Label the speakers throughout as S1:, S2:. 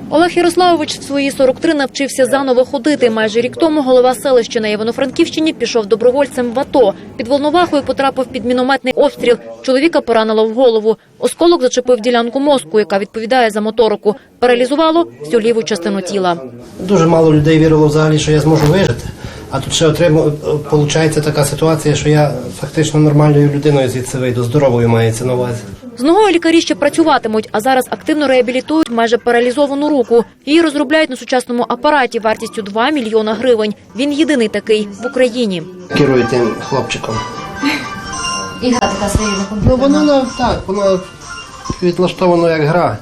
S1: Олег Ярославович в свої 43 навчився заново ходити. Майже рік тому голова селища на Івано-Франківщині пішов добровольцем в АТО. Під Волновахою потрапив під мінометний обстріл. Чоловіка поранило в голову. Осколок зачепив ділянку мозку, яка відповідає за моторику. Паралізувало всю ліву частину тіла.
S2: Дуже мало людей вірило взагалі, що я зможу вижити. А тут ще виходить така ситуація, що я фактично нормальною людиною звідси вийду, здоровою мається на увазі.
S1: З ногою лікарі ще працюватимуть, а зараз активно реабілітують майже паралізовану руку. Її розробляють на сучасному апараті вартістю 2 мільйона гривень. Він єдиний такий в Україні.
S2: Керую тим хлопчиком.
S3: І гра така своя на комп'ютері?
S2: Ну, воно відлаштовано як гра.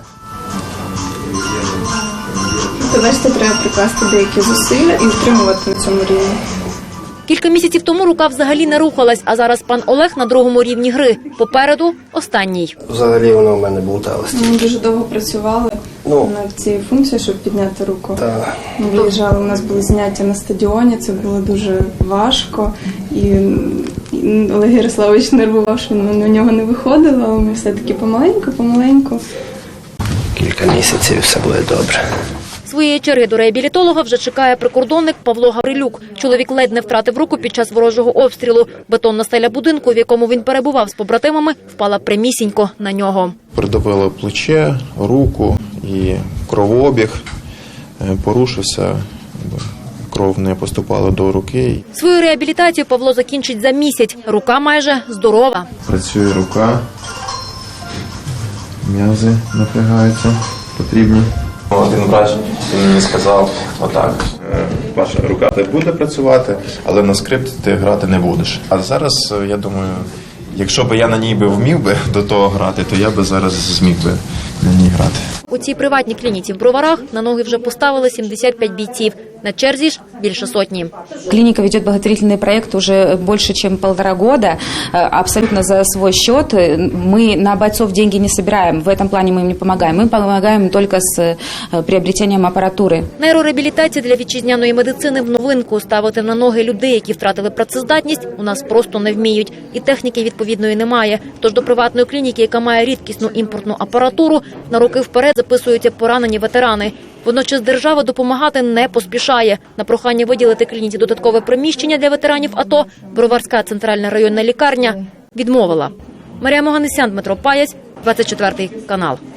S4: То бачите, треба прикласти деякі зусилля і втримувати на цьому рівні.
S1: Кілька місяців тому рука взагалі не рухалась, а зараз пан Олег на другому рівні гри. Попереду – останній.
S2: Взагалі воно в мене болталося.
S4: Ми дуже довго працювали над цією функцією, щоб підняти руку. Ми виїжджали, у нас були заняття на стадіоні, це було дуже важко. І Олег Ярославович нервував, що на нього не виходило, але ми все-таки помаленьку.
S2: Кілька місяців все буде добре.
S1: Своєї черги до реабілітолога вже чекає прикордонник Павло Гаврилюк. Чоловік ледь не втратив руку під час ворожого обстрілу. Бетонна стеля будинку, в якому він перебував з побратимами, впала прямісінько на нього.
S5: Придавило плече, руку і кровообіг порушився. Кров не поступала до руки.
S1: Свою реабілітацію Павло закінчить за місяць. Рука майже здорова.
S5: Працює рука, м'язи напрягаються, потрібні. Один врач мені сказав, отак, ваша рука не буде працювати, але на скрипці ти грати не будеш. А зараз, я думаю, якщо б я на ній вмів би до того грати, то я би зараз зміг би на ній грати.
S1: У цій приватній клініці в Броварах на ноги вже поставили 75 бійців. На черзі ж більше сотні.
S6: Клиника ведет благотворительный проект уже больше, чем 1,5 года, абсолютно за свой счет. Мы на бойцов деньги не собираем, в этом плане мы им не помогаем. Мы помогаем только с приобретением аппаратуры.
S1: Нейрореабілітація для вітчизняної медицини в новинку. Ставити на ноги людей, які втратили працездатність, у нас просто не вміють. І техніки відповідної немає. Тож до приватної клініки, яка має рідкісну імпортну апаратуру, на роки вперед записуються поранені ветерани. Водночас держава допомагати не поспішає. На прохання виділити клініці додаткове приміщення для ветеранів АТО Броварська центральна районна лікарня відмовила. Марія Моганесян, Дмитро Паяць, 24 канал.